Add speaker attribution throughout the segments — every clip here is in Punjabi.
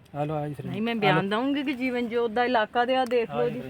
Speaker 1: हेलो आज
Speaker 2: नहीं मैं बयान दूंगी कि जीवन जोत दा इलाका दे आ देख लो जी।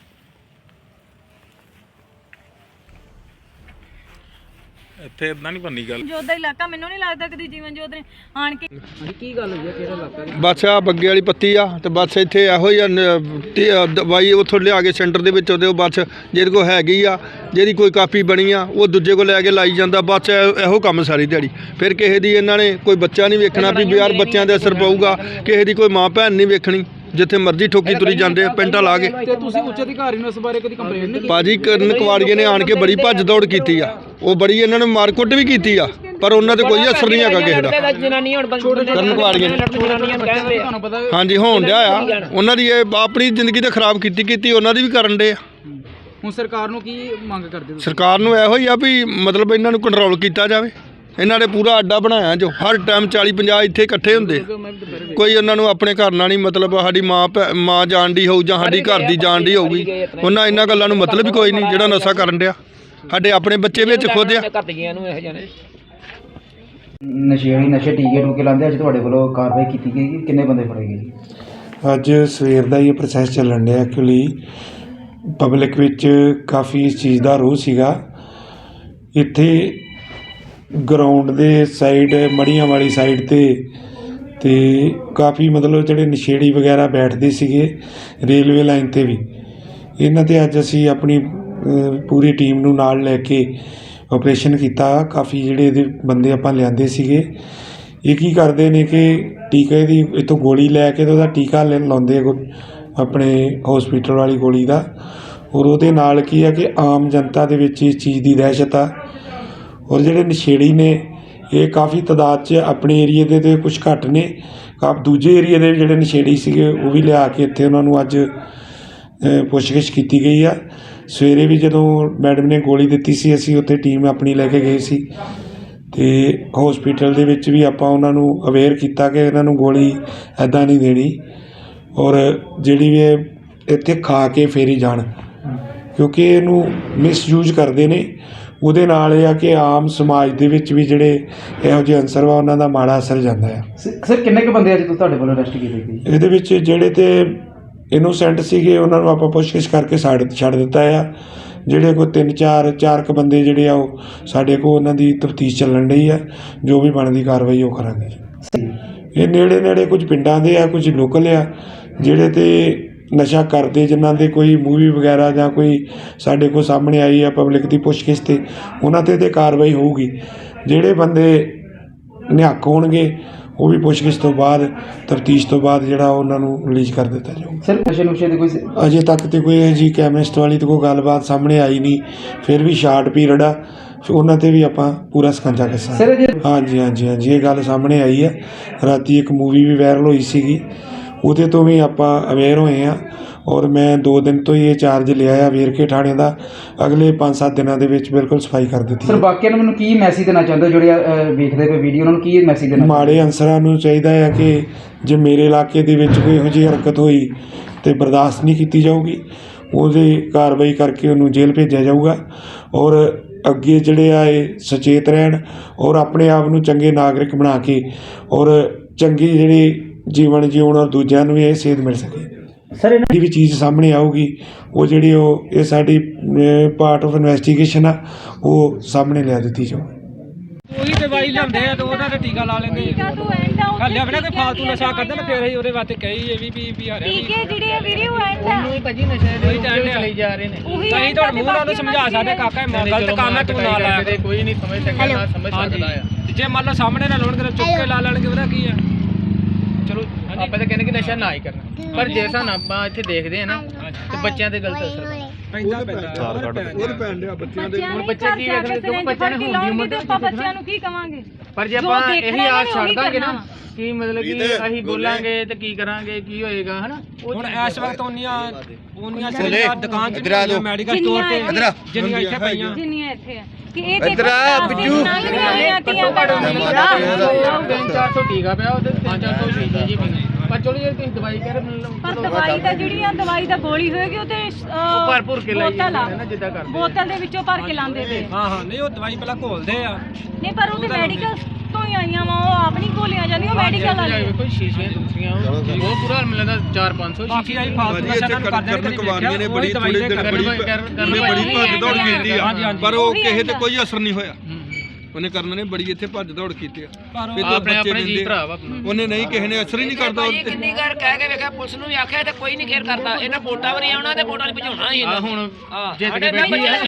Speaker 3: ਇੱਥੇ ਇਦਾਂ ਨਹੀਂ ਬੰਨੀ ਗੱਲ।
Speaker 2: ਜੋਤ ਦਾ ਇਲਾਕਾ ਮੈਨੂੰ ਨਹੀਂ ਲੱਗਦਾ ਕਦੀ ਜੀਵਨ ਜੋਤ ਨੇ ਆਣ ਕੇ
Speaker 1: ਕੀ ਗੱਲ ਹੋਈ ਹੈ ਕਿਹੜਾ ਇਲਾਕਾ
Speaker 4: ਬਸ ਆ ਬੱਗੇ ਵਾਲੀ ਪੱਤੀ ਆ ਤੇ ਬਸ ਇੱਥੇ ਇਹੋ ਹੀ ਆ ਦਵਾਈ ਉੱਥੋਂ ਲਿਆ ਕੇ ਸੈਂਟਰ ਦੇ ਵਿੱਚ ਉਹਦੇ ਬਸ ਜਿਹਦੇ ਕੋਲ ਹੈਗੀ ਆ ਜਿਹਦੀ ਕੋਈ ਕਾਪੀ ਬਣੀ ਆ ਉਹ ਦੂਜੇ ਕੋਲ ਲੈ ਕੇ ਲਾਈ ਜਾਂਦਾ ਬਸ ਇਹੋ ਕੰਮ ਸਾਰੀ ਦਿਹਾੜੀ। ਫਿਰ ਕਿਸੇ ਦੀ ਇਹਨਾਂ ਨੇ ਕੋਈ ਬੱਚਾ ਨਹੀਂ ਵੇਖਣਾ ਵੀ ਯਾਰ ਬੱਚਿਆਂ ਦੇ ਅਸਰ ਪਊਗਾ, ਕਿਸੇ ਦੀ ਕੋਈ ਮਾਂ ਭੈਣ ਨਹੀਂ ਵੇਖਣੀ, ਜਿੱਥੇ ਮਰਜ਼ੀ ਠੋਕੀ ਤੁਰੀ ਜਾਂਦੇ ਪੈਂਟਾਂ ਲਾ ਕੇ।
Speaker 1: ਤੇ ਤੁਸੀਂ ਉੱਚ ਅਧਿਕਾਰੀ ਨੂੰ ਇਸ ਬਾਰੇ ਕਦੀ ਕੰਪਲੇਂਟ ਨਹੀਂ ਕੀਤੀ?
Speaker 4: ਭਾਜੀ ਕਰਨ ਕਵਾੜੀਏ ਨੇ ਆਣ ਕੇ ਬੜੀ ਭੱਜ ਦੌੜ ਕੀਤੀ ਆ, ਉਹ ਬੜੀ ਇਹਨਾਂ ਨੇ ਮਾਰਕੁੱਟ ਵੀ ਕੀਤੀ ਆ, ਪਰ ਉਹਨਾਂ ਤੇ ਕੋਈ ਅਸਰ ਨਹੀਂ ਹੈਗਾ ਕਿਸੇ ਦਾ। ਕਰਨ ਕਵਾੜੀਏ ਨੇ ਹਾਂਜੀ ਹੋਣ ਡਿਆ ਆ, ਉਹਨਾਂ ਦੀ ਇਹ ਆਪਣੀ ਜ਼ਿੰਦਗੀ ਤਾਂ ਖਰਾਬ ਕੀਤੀ ਉਹਨਾਂ ਦੀ ਵੀ ਕਰਨ ਡੇ ਆ।
Speaker 1: ਹੁਣ ਸਰਕਾਰ ਨੂੰ ਕੀ ਮੰਗ ਕਰਦੇ ਹੋ?
Speaker 4: ਸਰਕਾਰ ਨੂੰ ਇਹੋ ਹੀ ਆ ਵੀ ਮਤਲਬ ਇਹਨਾਂ ਨੂੰ ਕੰਟਰੋਲ ਕੀਤਾ ਜਾਵੇ। ਇਹਨਾਂ ਨੇ ਪੂਰਾ ਅੱਡਾ ਬਣਾਇਆ ਜੋ ਹਰ ਟਾਈਮ 40-50 ਇੱਥੇ ਇਕੱਠੇ ਹੁੰਦੇ, ਕੋਈ ਉਹਨਾਂ ਨੂੰ ਆਪਣੇ ਘਰ ਨਾਲ ਨਹੀਂ ਮਤਲਬ। ਸਾਡੀ ਮਾਂ ਜਾਣਦੀ ਹੋਊ ਜਾਂ ਸਾਡੀ ਘਰ ਦੀ ਜਾਣਦੀ ਹੋਊਗੀ, ਉਹਨਾਂ ਇਹਨਾਂ ਗੱਲਾਂ ਨੂੰ ਮਤਲਬ ਹੀ ਕੋਈ ਨਹੀਂ। ਜਿਹੜਾ ਨਸ਼ਾ ਕਰਨ ਡਿਆ ਸਾਡੇ ਆਪਣੇ ਬੱਚੇ ਵਿੱਚ ਖੁਦ ਆ।
Speaker 5: ਨਸ਼ੇ ਟੀਕੇ ਟੂਕੇ ਲਾਉਂਦੇ, ਅੱਜ ਤੁਹਾਡੇ ਵੱਲੋਂ ਕਾਰਵਾਈ ਕੀਤੀ ਗਈ, ਕਿੰਨੇ ਬੰਦੇ ਫੜੇ ਗਏ?
Speaker 6: ਅੱਜ ਸਵੇਰ ਦਾ ਇਹ ਪ੍ਰੋਸੈਸ ਚੱਲਣ ਡਿਆ। ਐਕਚੁਅਲੀ ਪਬਲਿਕ ਵਿੱਚ ਕਾਫੀ ਇਸ ਚੀਜ਼ ਦਾ ਰੋਹ ਸੀਗਾ। ਇੱਥੇ ਗਰਾਊਂਡ ਦੇ ਸਾਈਡ ਮੜੀਆਂ ਵਾਲੀ ਸਾਈਡ ਤੇ ਕਾਫੀ ਮਤਲਬ ਜਿਹੜੇ ਨਸ਼ੇੜੀ ਵਗੈਰਾ ਬੈਠਦੇ ਸੀਗੇ ਰੇਲਵੇ ਲਾਈਨ 'ਤੇ ਵੀ। ਇਹਨਾਂ 'ਤੇ ਅੱਜ ਅਸੀਂ ਆਪਣੀ ਪੂਰੀ ਟੀਮ ਨੂੰ ਨਾਲ ਲੈ ਕੇ ਆਪਰੇਸ਼ਨ ਕੀਤਾ। ਕਾਫੀ ਜਿਹੜੇ ਇਹਦੇ ਬੰਦੇ ਆਪਾਂ ਲਿਆਂਦੇ ਸੀਗੇ। ਇਹ ਕੀ ਕਰਦੇ ਨੇ ਕਿ ਟੀਕੇ ਦੀ ਇੱਥੋਂ ਗੋਲੀ ਲੈ ਕੇ ਤੇ ਉਹਦਾ ਟੀਕਾ ਲਾਉਂਦੇ ਆਪਣੇ ਹੌਸਪੀਟਲ ਵਾਲੀ ਗੋਲੀ ਦਾ। ਔਰ ਉਹਦੇ ਨਾਲ ਕੀ ਆ ਕਿ ਆਮ ਜਨਤਾ ਦੇ ਵਿੱਚ ਇਸ ਚੀਜ਼ ਦੀ ਦਹਿਸ਼ਤ ਆ। ਔਰ ਜਿਹੜੇ ਨਸ਼ੇੜੀ ਨੇ ਇਹ ਕਾਫੀ ਤਾਦਾਦ 'ਚ ਆਪਣੇ ਏਰੀਏ ਦੇ ਤੇ ਕੁਛ ਘੱਟ ਨੇ। ਦੂਜੇ ਏਰੀਏ ਦੇ ਜਿਹੜੇ ਨਸ਼ੇੜੀ ਸੀਗੇ ਉਹ ਵੀ ਲਿਆ ਕੇ ਇੱਥੇ ਉਹਨਾਂ ਨੂੰ ਅੱਜ ਪੁੱਛਗਿੱਛ ਕੀਤੀ ਗਈ ਆ। ਸਵੇਰੇ ਵੀ ਜਦੋਂ ਮੈਡਮ ਨੇ ਗੋਲੀ ਦਿੱਤੀ ਸੀ ਅਸੀਂ ਉੱਥੇ ਟੀਮ ਆਪਣੀ ਲੈ ਕੇ ਗਏ ਸੀ ਅਤੇ ਹੌਸਪੀਟਲ ਦੇ ਵਿੱਚ ਵੀ ਆਪਾਂ ਉਹਨਾਂ ਨੂੰ ਅਵੇਅਰ ਕੀਤਾ ਕਿ ਇਹਨਾਂ ਨੂੰ ਗੋਲੀ ਇੱਦਾਂ ਨਹੀਂ ਦੇਣੀ। ਔਰ ਜਿਹੜੀ ਵੀ ਇੱਥੇ ਖਾ ਕੇ ਫੇਰ ਹੀ ਜਾਣ, ਕਿਉਂਕਿ ਇਹਨੂੰ ਮਿਸਯੂਜ ਕਰਦੇ ਨੇ। ਉਹਦੇ ਨਾਲ ਇਹ ਆ ਕਿ ਆਮ ਸਮਾਜ ਦੇ ਵਿੱਚ ਵੀ ਜਿਹੜੇ ਇਹੋ ਜਿਹੇ ਅਨਸਰ ਵਾ ਉਹਨਾਂ ਦਾ ਮਾੜਾ ਅਸਰ ਜਾਂਦਾ ਆ।
Speaker 5: ਸਰ ਕਿੰਨੇ ਕੁ ਬੰਦੇ ਅੱਜ ਤੁਹਾਡੇ ਵੱਲੋਂ ਅਰੈਸਟ ਕੀਤੇ ਗਏ?
Speaker 6: ਇਹਦੇ ਵਿੱਚ ਜਿਹੜੇ ਤੇ ਇਨੋਸੈਂਟ ਸੀਗੇ ਉਹਨਾਂ ਨੂੰ ਆਪਾਂ ਪੁੱਛਗਿੱਛ ਕਰਕੇ ਛੱਡ ਦਿੱਤਾ ਆ। ਜਿਹੜੇ ਕੋਈ 3-4 ਕੁ ਬੰਦੇ ਜਿਹੜੇ ਆ ਉਹ ਸਾਡੇ ਕੋਲ ਉਹਨਾਂ ਦੀ ਤਫਤੀਸ਼ ਚੱਲਣ ਡਈ ਆ। ਜੋ ਵੀ ਬਣਦੀ ਕਾਰਵਾਈ ਉਹ ਕਰਾਂਗੇ। ਇਹ ਨੇੜੇ ਕੁਝ ਪਿੰਡਾਂ ਦੇ ਆ, ਕੁਝ ਲੋਕਲ ਆ ਜਿਹੜੇ ਤੇ ਨਸ਼ਾ ਕਰਦੇ, ਜਿਨ੍ਹਾਂ ਦੇ ਕੋਈ ਮੂਵੀ ਵਗੈਰਾ ਜਾਂ ਕੋਈ ਸਾਡੇ ਕੋਲ ਸਾਹਮਣੇ ਆਈ ਆ ਪਬਲਿਕ ਦੀ ਪੁੱਛਗਿੱਛ 'ਤੇ, ਉਹਨਾਂ 'ਤੇ ਕਾਰਵਾਈ ਹੋਊਗੀ। ਜਿਹੜੇ ਬੰਦੇ ਨਿਹੱਕ ਹੋਣਗੇ ਉਹ ਵੀ ਪੁੱਛਗਿੱਛ ਤੋਂ ਬਾਅਦ ਤਫਤੀਸ਼ ਤੋਂ ਬਾਅਦ ਜਿਹੜਾ ਉਹਨਾਂ ਨੂੰ ਰਿਲੀਜ਼ ਕਰ ਦਿੱਤਾ ਜਾਊਗਾ।
Speaker 5: ਸਰ ਨਸ਼ੇ ਨੁਸ਼ੇ ਦੇ ਕੋਈ
Speaker 6: ਅਜੇ ਤੱਕ ਤੇ ਕੋਈ ਜੀ ਕੈਮਿਸਟ ਵਾਲੀ ਤਾਂ ਕੋਈ ਗੱਲਬਾਤ ਸਾਹਮਣੇ ਆਈ ਨਹੀਂ। ਫਿਰ ਵੀ ਸ਼ਾਰਟ ਪੀਰੀਅਡ ਆ, ਉਹਨਾਂ 'ਤੇ ਵੀ ਆਪਾਂ ਪੂਰਾ ਸਕੰਜਾ ਕੱਸਾਂਗੇ। ਹਾਂਜੀ ਇਹ ਗੱਲ ਸਾਹਮਣੇ ਆਈ ਹੈ। ਰਾਤੀ ਇੱਕ ਮੂਵੀ ਵੀ ਵਾਇਰਲ ਹੋਈ ਸੀਗੀ, ਉਹਦੇ ਤੋਂ ਵੀ ਆਪਾਂ ਅਵੇਅਰ ਹੋਏ ਹਾਂ। ਔਰ ਮੈਂ 2 ਦਿਨ ਤੋਂ ਹੀ ਇਹ ਚਾਰਜ ਲਿਆ ਆ ਵੇਰਕੇ ਥਾਣੇ ਦਾ। ਅਗਲੇ 5-7 ਦਿਨਾਂ ਦੇ ਵਿੱਚ ਬਿਲਕੁਲ ਸਫਾਈ ਕਰ ਦਿੱਤੀ।
Speaker 5: ਸਰ ਬਾਕੀਆਂ ਨੂੰ ਮੈਨੂੰ ਕੀ ਮੈਸੇਜ ਦੇਣਾ ਚਾਹੁੰਦੇ ਜਿਹੜੇ ਵੇਖਦੇ ਪਏ ਵੀਡੀਓ, ਉਹਨਾਂ ਨੂੰ ਕੀ ਮੈਸੇਜ ਦੇਣਾ?
Speaker 6: ਮਾੜੇ ਅਨਸਰਾਂ ਨੂੰ ਚਾਹੀਦਾ ਹੈ ਕਿ ਜੇ ਮੇਰੇ ਇਲਾਕੇ ਦੇ ਵਿੱਚ ਕੋਈ ਇਹੋ ਜਿਹੀ ਹਰਕਤ ਹੋਈ ਤਾਂ ਬਰਦਾਸ਼ਤ ਨਹੀਂ ਕੀਤੀ ਜਾਊਗੀ। ਉਹਦੀ ਕਾਰਵਾਈ ਕਰਕੇ ਉਹਨੂੰ ਜੇਲ੍ਹ ਭੇਜਿਆ ਜਾਊਗਾ। ਔਰ ਅੱਗੇ ਜਿਹੜੇ ਆ ਇਹ ਸੁਚੇਤ ਰਹਿਣ ਔਰ ਆਪਣੇ ਆਪ ਨੂੰ ਚੰਗੇ ਨਾਗਰਿਕ ਬਣਾ ਕੇ ਔਰ ਚੰਗੀ ਜਿਹੜੀ ਜੀਵਨ ਜਿਉਣ ਔਰ ਦੂਜਿਆਂ ਨੂੰ ਵੀ ਇਹ ਸੇਧ ਮਿਲ ਸਕੇ।
Speaker 5: ਸਰ
Speaker 6: ਜਿਹੜੀ ਵੀ ਚੀਜ਼ ਸਾਹਮਣੇ ਆਊਗੀ ਉਹ ਜਿਹੜੀ ਇਹ ਸਾਡੀ ਪਾਰਟ ਆਫ ਇਨਵੈਸਟੀਗੇਸ਼ਨ ਆ, ਉਹ ਸਾਹਮਣੇ ਲਿਆ ਦਿੱਤੀ ਜਾਊਗੀ।
Speaker 1: ਉਹੀ ਦਵਾਈ ਲਿਆਉਂਦੇ ਆ ਤੇ ਉਹਦਾ ਤੇ ਟੀਕਾ ਲਾ ਲੈਂਦੇ ਖਾਲੀ ਆਪਣੇ ਕੋਈ ਫਾਲਤੂ ਨਸ਼ਾ ਕਰਦੇ ਨੇ। ਫਿਰ ਅਸੀਂ ਉਹਦੇ ਵਾਸਤੇ ਕਹੀ ਇਹ ਵੀ ਆ ਰਿਹਾ
Speaker 2: ਟੀਕੇ ਜਿਹੜੇ ਆ ਵੀਡੀਓ ਐਂਡ
Speaker 1: ਉਹਨੂੰ ਹੀ ਭਾਜੀ ਨਸ਼ੇ ਦੇ ਲਈ ਜਾ ਰਹੇ ਨੇ। ਅਸੀਂ ਤੁਹਾਡੇ ਮੂੰਹ ਨਾਲ ਸਮਝਾ ਸਕਦੇ ਕਾਕਾ ਇਹ ਗਲਤ ਕੰਮ ਹੈ, ਤੂੰ ਨਾ ਲਾਇਆ। ਕੋਈ ਨਹੀਂ ਸਮਝ ਸਕਦਾ ਆ। ਜੇ ਮੰਨ ਲਓ ਸਾਹਮਣੇ ਨਾ ਲਾਉਣਗੇ ਚੁੱਕ ਕੇ ਲਾ ਲੈਣਗੇ, ਉਹਦਾ ਕੀ ਆ। ਚਲੋ ਆਪਾਂ ਤਾਂ ਕਹਿੰਦੇ ਕਿ ਨਸ਼ਾ ਨਾ ਹੀ ਕਰਨਾ, ਪਰ ਜੇ ਸਾਨੂੰ ਆਪਾਂ ਇੱਥੇ ਦੇਖਦੇ ਆ ਨਾ ਤੇ ਬੱਚਿਆਂ ਤੇ ਗਲਤ ਅਸਰ ਪੈਂਦਾ।
Speaker 2: ਹੁਣ ਬੱਚੇ ਕੀ ਵੇਖਣਗੇ? ਬੱਚਿਆਂ ਨੇ ਹੁੰਦੀ ਤੇ ਆਪਾਂ ਬੱਚਿਆਂ ਨੂੰ ਕੀ ਕਵਾਂਗੇ?
Speaker 1: ਪਰ ਜੇ ਆਪਾਂ ਇਹੀ ਆਸ ਛੱਡ ਦਾਂਗੇ ਨਾ ਕਿ ਮਤਲਬ ਕਿ ਅਸੀਂ ਬੋਲਾਂਗੇ ਤੇ ਕੀ ਕਰਾਂਗੇ, ਕੀ ਹੋਏਗਾ ਹਨਾ। ਹੁਣ ਇਸ ਵਕਤ ਉਹਨੀਆਂ ਦੁਕਾਨ 'ਚ ਮੈਡੀਕਲ ਸਟੋਰ ਤੇ ਜਿੰਨੀਆਂ ਇੱਥੇ ਪਈਆਂ
Speaker 2: ਜਿੰਨੀਆਂ ਇੱਥੇ ਆ ਕਿ ਇਹ ਦੇਖੋ ਬਿੱਜੂ
Speaker 1: 300-400 ਟੀਕਾ ਪਿਆ, ਉਹਦੇ 300-400 ਸ਼ੀਸ਼ੇ ਜੀ ਪਈ। ਪਰ ਚਲੋ ਜੇ ਤੁਸੀਂ ਦਵਾਈ ਕਹਿ ਰਹੇ
Speaker 2: ਪਰ ਦਵਾਈ ਦਾ ਜਿਹੜੀ ਆ ਦਵਾਈ ਦਾ ਗੋਲੀ ਹੋਏਗੀ ਉਹ ਤੇ
Speaker 1: ਭਰ ਕੇ ਲਾਈ ਜਾਂਦੇ ਨੇ ਜਿੱਦਾਂ ਕਰਦੇ
Speaker 2: ਬੋਤਲ ਦੇ ਵਿੱਚੋਂ ਭਰ ਕੇ ਲਾਉਂਦੇ ਤੇ।
Speaker 1: ਹਾਂ ਨਹੀਂ ਉਹ ਦਵਾਈ ਪਹਿਲਾਂ ਘੋਲਦੇ ਆ।
Speaker 2: ਨਹੀਂ ਪਰ ਉਹਦੇ ਮੈਡੀਕਲ ਤੋਂ ਬਾਹਰੋਂ ਹੀ ਆਈਆਂ ਵਾ, ਉਹ ਆਪ ਨਹੀਂ ਖੋਲੀਆਂ ਜਾਂਦੀਆਂ, ਉਹ ਮੈਡੀਕਲ ਵਾਲੀ
Speaker 1: ਕੋਈ ਸ਼ੀਸ਼ੇ ਦੂਸਰੀਆਂ ਉਹ ਪੂਰਾ ਮਿਲਦਾ 4-500 ਬਾਕੀ ਆਈ ਫਾਲਤੂ
Speaker 4: ਭਾਜੀ ਇੱਥੇ ਕਰਨ ਕੁਮਾਰੀਆਂ ਨੇ ਬੜੀ ਥੋੜੇ ਦਿਨ ਬੜੀ ਭੱਜ ਦੌੜ ਕੀਤੀ ਆ, ਪਰ ਉਹ ਕਿਸੇ ਤੇ ਕੋਈ ਅਸਰ ਨਹੀਂ ਹੋਇਆ। ਉਹਨੇ ਕਰਨ ਨੇ ਬੜੀ ਇੱਥੇ ਭੱਜ ਦੌੜ ਕੀਤੀ ਆ, ਆਪਣੇ ਜੀ ਭਰਾ ਵਾ, ਉਹਨੇ ਨਹੀਂ ਕਿਸੇ ਨੇ ਅਸਰ ਹੀ ਨਹੀਂ ਕਰਦਾ।
Speaker 1: ਕਿੰਨੀ ਵਾਰ ਕਹਿ ਕੇ ਵੇਖਿਆ ਪੁਲਿਸ ਨੂੰ ਵੀ ਆਖਿਆ ਤੇ ਕੋਈ ਨਹੀਂ ਕੇਅਰ ਕਰਦਾ, ਇਹਨਾਂ ਵੋਟਾਂ ਵਾਰੀ ਆਉਣਾ ਤੇ ਵੋਟਾਂ ਲਈ ਭਜਾਉਣਾ ਹੀ ਇਹਨਾਂ ਹੁਣ ਜਿੱਤ ਕੇ ਬੈਠੀ ਆ।